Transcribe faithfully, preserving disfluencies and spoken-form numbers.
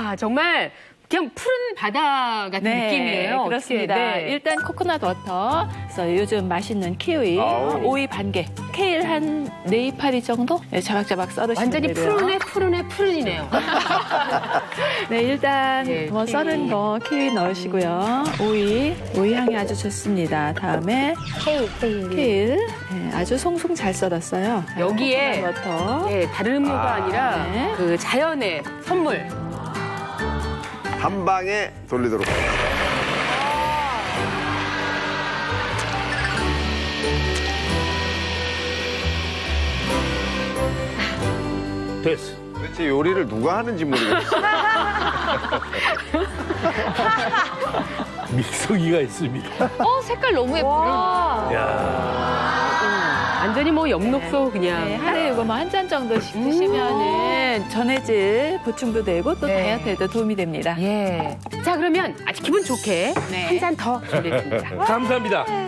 야, 정말 그냥 푸른 바다 같은 네, 느낌이에요. 그렇습니다. 어떻게, 네. 일단 코코넛 워터, 그래서 요즘 맛있는 키위, 아우. 오이 반 개, 케일 한 네 이파리 정도 네, 자박자박 썰으시면 완전히 되고요. 푸른에 푸른에 푸른이네요. 네, 일단 예, 뭐 키위. 썰은 거 키위 넣으시고요. 오이, 오이 향이 아주 좋습니다. 다음에 케일, 케일. 케일, 네, 아주 송송 잘 썰었어요. 여기에 코코넛 워터. 네, 다른 음료가 아, 아니라 네. 그 자연의 선물. 한 방에 돌리도록 하겠습니다. 됐어. 도대체 요리를 누가 하는지 모르겠어요. 믹서기가 있습니다. 어, 색깔 너무 예쁘다. 야 완전히 뭐 엽록소 그냥. 네, 하루에 이거 뭐 한 잔 정도씩 드시면은 전해질 보충도 되고 또 네. 다이어트에도 도움이 됩니다. 예. 자, 그러면 아주 기분 좋게 네. 한 잔 더 준비했습니다. 감사합니다.